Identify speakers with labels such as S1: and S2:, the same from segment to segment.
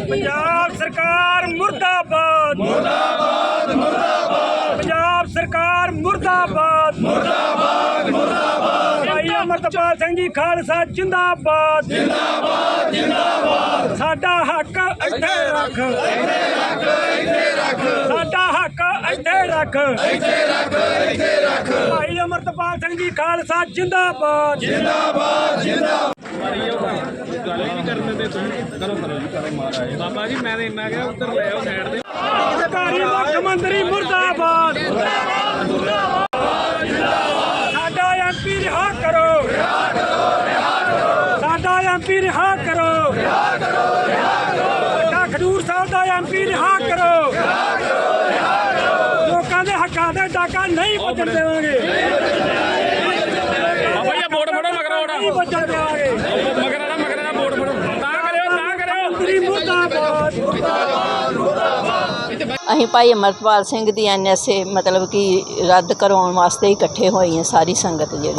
S1: पंजाब सरकार मुर्दाबाद मुर्दाबाद मुर्दाबाद पंजाब सरकार मुर्दाबाद मुर्दाबाद मुर्दाबाद भाई अमरतपाल सिंह जी खालसा जिंदाबाद जिंदाबाद जिंदाबाद साडा हक इत्थे रख साडा हक इत्थे रख भाई अमरतपाल सिंह जी खालसा जिंदाबाद जिंदाबाद जिंदाबाद
S2: बाबा जी मैं इन्ना क्या उधर ले आओ साइड ते
S1: सरकारी मुख्यमंत्री मुर्दाबाद साडा एमपी रिहा करो साडा एमपी रिहा करो खडूर साहब का एमपी रिहा करो लोगों के हकों के डाका नहीं बचन देवांगे
S2: बाबा जी वोट फड़ो मगर
S1: नहीं बचन देवांगे
S2: मगर वोट फड़ो ता करो
S1: मुर्दाबाद
S3: ਅਸੀਂ ਭਾਈ ਅਮਰਤਪਾਲ ਸਿੰਘ ਦੀ NSA ਮਤਲਬ ਕਿ ਰੱਦ ਕਰਵਾਉਣ ਵਾਸਤੇ ਇਕੱਠੇ ਹੋਏ ਹਾਂ ਸਾਰੀ ਸੰਗਤ ਜਿਹੜੀ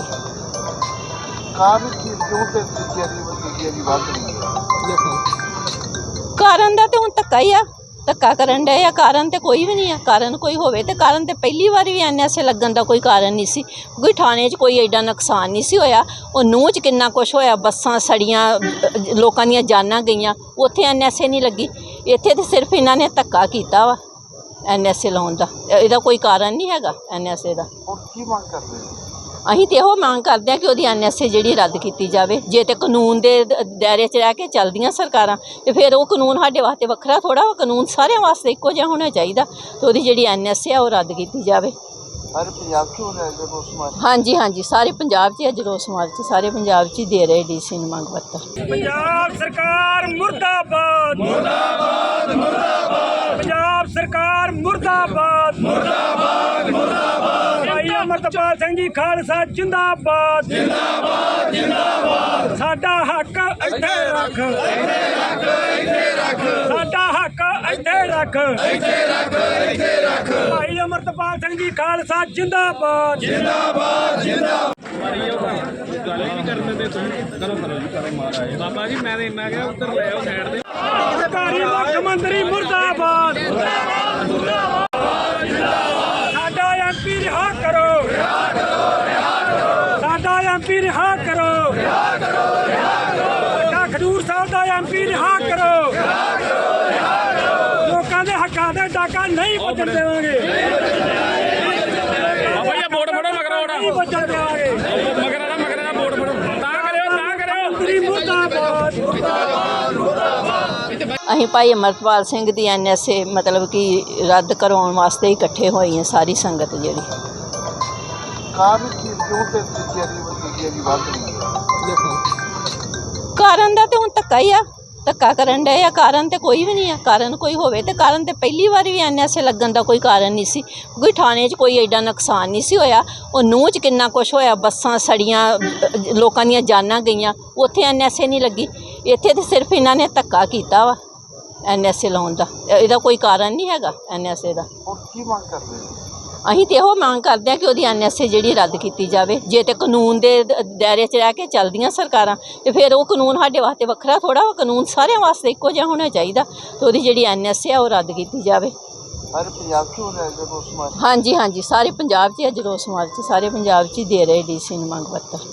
S3: ਕਾਰਨ ਦਾ ਤੇ ਹੁਣ ਧੱਕਾ ਹੀ ਆ ਧੱਕਾ ਕਰਨ ਡਏ ਆ ਕਾਰਨ ਤੇ ਕੋਈ ਵੀ ਨਹੀਂ ਆ ਕਾਰਨ ਕੋਈ ਹੋਵੇ ਤੇ ਕਾਰਨ ਤੇ ਪਹਿਲੀ ਵਾਰੀ ਵੀ NSA ਲੱਗਣ ਦਾ ਕੋਈ ਕਾਰਨ ਨਹੀਂ ਸੀ ਕੋਈ ਥਾਣੇ 'ਚ ਕੋਈ ਐਡਾ ਨੁਕਸਾਨ ਨਹੀਂ ਸੀ ਹੋਇਆ ਉਹ ਨੂੰਹ 'ਚ ਕਿੰਨਾ ਕੁਛ ਹੋਇਆ ਬੱਸਾਂ ਸੜੀਆਂ ਲੋਕਾਂ ਦੀਆਂ ਜਾਨਾਂ ਗਈਆਂ ਉੱਥੇ NSA ਨਹੀਂ ਲੱਗੀ ਇੱਥੇ ਤੇ ਸਿਰਫ ਇਹਨਾਂ ਨੇ ਧੱਕਾ ਕੀਤਾ ਵਾ NSA ਲਾਉਣ ਦਾ ਇਹਦਾ ਕੋਈ ਕਾਰਨ ਨਹੀਂ ਹੈਗਾ NSA ਦਾ
S4: ਕੀ ਮੰਗ ਕਰਦੇ
S3: ਅਸੀਂ ਤੇ ਇਹੋ ਮੰਗ ਕਰਦੇ ਹਾਂ ਕਿ ਉਹਦੀ NSA ਜਿਹੜੀ ਰੱਦ ਕੀਤੀ ਜਾਵੇ ਜੇ ਤੇ ਕਾਨੂੰਨ ਦੇ ਦਾਇਰੇ 'ਚ ਰਹਿ ਕੇ ਚੱਲਦੀਆਂ ਸਰਕਾਰਾਂ ਤੇ ਫਿਰ ਉਹ ਕਾਨੂੰਨ ਸਾਡੇ ਵਾਸਤੇ ਵੱਖਰਾ ਥੋੜ੍ਹਾ ਵਾ ਕਾਨੂੰਨ ਸਾਰਿਆਂ ਵਾਸਤੇ ਇੱਕੋ ਜਿਹਾ ਹੋਣਾ ਚਾਹੀਦਾ ਤੇ ਉਹਦੀ ਜਿਹੜੀ NSA ਆ ਉਹ ਰੱਦ ਕੀਤੀ ਜਾਵੇ
S4: ਸਾਰੇ ਪੰਜਾਬ 'ਚ ਹੋ ਰਿਹਾ ਰੋਸ ਮਾਰਚ
S3: ਹਾਂਜੀ ਹਾਂਜੀ ਸਾਰੇ ਪੰਜਾਬ 'ਚ ਅੱਜ ਰੋਸ ਮਾਰਚ ਸਾਰੇ ਪੰਜਾਬ 'ਚ ਹੀ ਦੇ ਰਹੇ DC ਨੂੰ ਮੰਗ ਪੱਤਰ
S1: पंजाब सरकार मुर्दाबाद मुर्दाबाद मुर्दाबाद पंजाब सरकार मुर्दाबाद मुर्दाबाद मुर्दाबाद भाई अमरतपाल सिंह जी खालसा जिंदाबाद जिंदाबाद जिंदाबाद साडा हक इत्थे रख साडा हक इत्थे रख भाई अमरतपाल सिंह जी खालसा जिंदाबाद जिंदाबाद जिंदाबाद
S2: बाबा जी मैं इन्ना क्या उधर ले आओ साइड ते
S1: सरकारी मुख्यमंत्री मुर्दाबाद साडा एमपी रिहा करो साडा एमपी रिहा करो खडूर साहब का एमपी रिहा करो लोगों के हकों के डाका नहीं बचन देवांगे
S2: बाबा जी वोट फड़ो मगर
S1: नहीं बचन देवांगे
S2: मगर वोट फड़ो ता करो
S1: मुर्दाबाद
S3: ਅਸੀਂ ਭਾਈ ਅਮਰਤਪਾਲ ਸਿੰਘ ਦੀ NSA ਮਤਲਬ ਕਿ ਰੱਦ ਕਰਵਾਉਣ ਵਾਸਤੇ ਇਕੱਠੇ ਹੋਏ ਹਾਂ ਸਾਰੀ ਸੰਗਤ ਜਿਹੜੀ
S4: ਕਾਰਨ ਕੀ ਕਿਉਂ ਤੇ ਦੂਜਿਆਂ ਦੀ ਵੱਧ ਰਹੀ ਹੈ
S3: ਕਾਰਨ ਦਾ ਤੇ ਹੁਣ ਧੱਕਾ ਹੀ ਆ ਧੱਕਾ ਕਰਨ ਡਏ ਆ ਕਾਰਨ ਤੇ ਕੋਈ ਵੀ ਨਹੀਂ ਆ ਕਾਰਨ ਕੋਈ ਹੋਵੇ ਤੇ ਕਾਰਨ ਤੇ ਪਹਿਲੀ ਵਾਰੀ ਵੀ NSA ਲੱਗਣ ਦਾ ਕੋਈ ਕਾਰਨ ਨਹੀਂ ਸੀ ਕੋਈ ਥਾਣੇ 'ਚ ਕੋਈ ਐਡਾ ਨੁਕਸਾਨ ਨਹੀਂ ਸੀ ਹੋਇਆ ਉਹ ਨੂੰਹ 'ਚ ਕਿੰਨਾ ਕੁਛ ਹੋਇਆ ਬੱਸਾਂ ਸੜੀਆਂ ਲੋਕਾਂ ਦੀਆਂ ਜਾਨਾਂ ਗਈਆਂ ਉੱਥੇ NSA ਨਹੀਂ ਲੱਗੀ ਇੱਥੇ ਤੇ ਸਿਰਫ ਇਹਨਾਂ ਨੇ ਧੱਕਾ ਕੀਤਾ ਵਾ NSA ਲਾਉਣ ਦਾ ਇਹਦਾ ਕੋਈ ਕਾਰਨ ਨਹੀਂ ਹੈਗਾ NSA ਦਾ
S4: ਕੀ ਮੰਗ ਕਰਦੇ
S3: ਅਸੀਂ ਤੇ ਇਹੋ ਮੰਗ ਕਰਦੇ ਹਾਂ ਕਿ ਉਹਦੀ NSA ਜਿਹੜੀ ਰੱਦ ਕੀਤੀ ਜਾਵੇ ਜੇ ਤੇ ਕਾਨੂੰਨ ਦੇ ਦਾਇਰੇ 'ਚ ਰਹਿ ਕੇ ਚੱਲਦੀਆਂ ਸਰਕਾਰਾਂ ਤੇ ਫਿਰ ਉਹ ਕਾਨੂੰਨ ਸਾਡੇ ਵਾਸਤੇ ਵੱਖਰਾ ਥੋੜ੍ਹਾ ਵਾ ਕਾਨੂੰਨ ਸਾਰਿਆਂ ਵਾਸਤੇ ਇੱਕੋ ਜਿਹਾ ਹੋਣਾ ਚਾਹੀਦਾ ਤੇ ਉਹਦੀ ਜਿਹੜੀ NSA ਆ ਉਹ ਰੱਦ ਕੀਤੀ ਜਾਵੇ
S4: ਸਾਰੇ ਪੰਜਾਬ 'ਚ ਹੋ ਰਿਹਾ ਰੋਸ ਮਾਰਚ
S3: ਹਾਂਜੀ ਹਾਂਜੀ ਸਾਰੇ ਪੰਜਾਬ 'ਚ ਅੱਜ ਰੋਸ ਮਾਰਚ ਸਾਰੇ ਪੰਜਾਬ 'ਚ ਹੀ ਦੇ ਰਹੇ DC ਨੂੰ ਮੰਗ ਪੱਤਰ